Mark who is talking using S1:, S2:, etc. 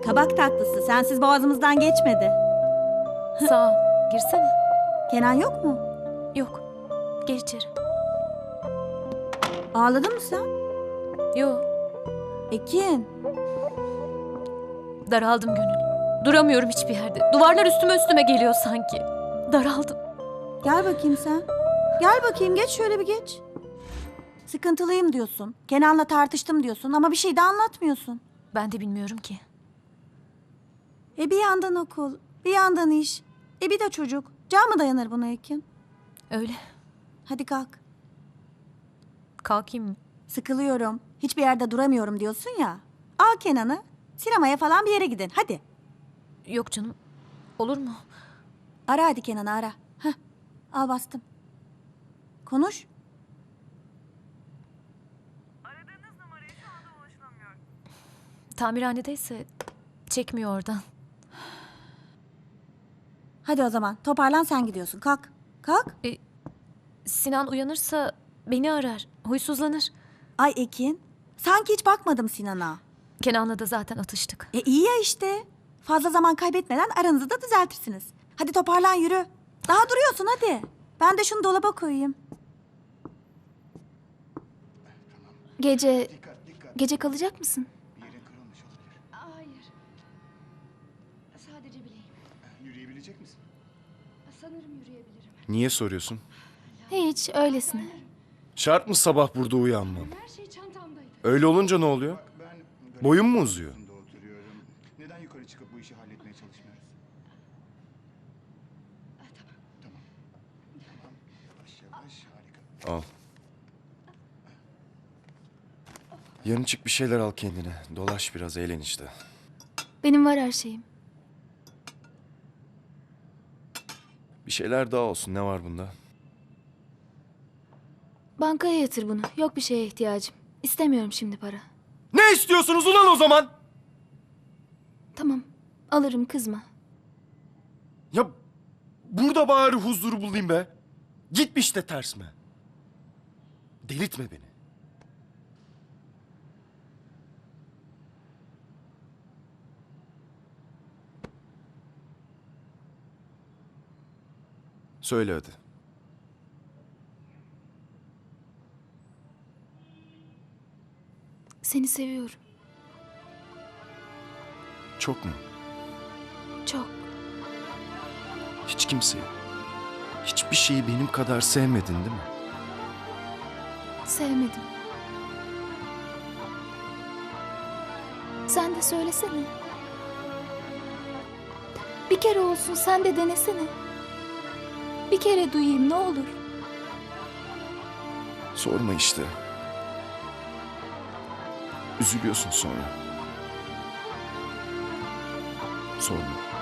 S1: Kabak tatlısı. Sensiz boğazımızdan geçmedi.
S2: Sağ ol. Girsene.
S1: Kenan yok mu?
S2: Yok. Gir içeri.
S1: Ağladın mı sen?
S2: Yo.
S1: Ekin.
S2: Daraldım Gönül. Duramıyorum hiçbir yerde. Duvarlar üstüme geliyor sanki. Daraldım.
S1: Gel bakayım sen. Gel bakayım, geç şöyle bir geç. Sıkıntılıyım diyorsun. Kenan'la tartıştım diyorsun ama bir şey de anlatmıyorsun.
S2: Ben de bilmiyorum ki.
S1: Bir yandan okul, bir yandan iş. Bir de çocuk. Can mı dayanır buna Ekin?
S2: Öyle.
S1: Hadi kalk.
S2: Kalkayım mı?
S1: Sıkılıyorum. Hiçbir yerde duramıyorum diyorsun ya. Al Kenan'ı. Sinemaya falan bir yere gidin. Hadi.
S2: Yok canım. Olur mu?
S1: Ara hadi Kenan'ı ara. Heh. Al bastım. Konuş.
S3: Aradığınız numaraya şu anda ulaşılamıyor.
S2: Tamirhanedeyse çekmiyor oradan.
S1: Hadi o zaman. Toparlan, sen gidiyorsun. Kalk. Kalk.
S2: Sinan uyanırsa beni arar. Huysuzlanır.
S1: Ay Ekin. Sanki hiç bakmadım Sinan'a.
S2: Kenan'la da zaten atıştık.
S1: İyi ya işte. Fazla zaman kaybetmeden aranızı da düzeltirsiniz. Hadi toparlan, yürü. Daha duruyorsun, hadi. Ben de şunu dolaba koyayım.
S4: Gece kalacak mısın?
S5: Hayır. Sadece bileğim.
S6: Yürüyebilecek misin?
S5: Sanırım yürüyebilirim.
S6: Niye soruyorsun?
S4: Hiç, öylesine.
S6: Şart mı sabah burada uyanmam?
S5: Her şey çantamdaydı.
S6: Öyle olunca ne oluyor? Boyun mu uzuyor?
S7: Oturuyorum. Neden yukarı çıkıp bu işi halletmeye çalışmıyoruz? Tamam. Yavaş yavaş, harika.
S6: Al. Yarın çık bir şeyler al kendine. Dolaş biraz, eğlen işte.
S4: Benim var her şeyim.
S6: Bir şeyler daha olsun. Ne var bunda?
S4: Bankaya yatır bunu. Yok bir şeye ihtiyacım. İstemiyorum şimdi para.
S6: Ne istiyorsunuz ulan o zaman?
S4: Tamam, alırım, kızma.
S6: Ya burada bari huzuru bulayım be. Gitmiş de ters mi? Delirtme beni. Söyle hadi.
S4: Seni seviyorum.
S6: Çok mu?
S4: Çok.
S6: Hiç kimseyi, hiçbir şeyi benim kadar sevmedin değil mi?
S4: Sevmedim. Sen de söylesene. Bir kere olsun sen de denesene. Bir kere duyayım ne olur.
S6: Sorma işte. Üzülüyorsun sonra. Sorma.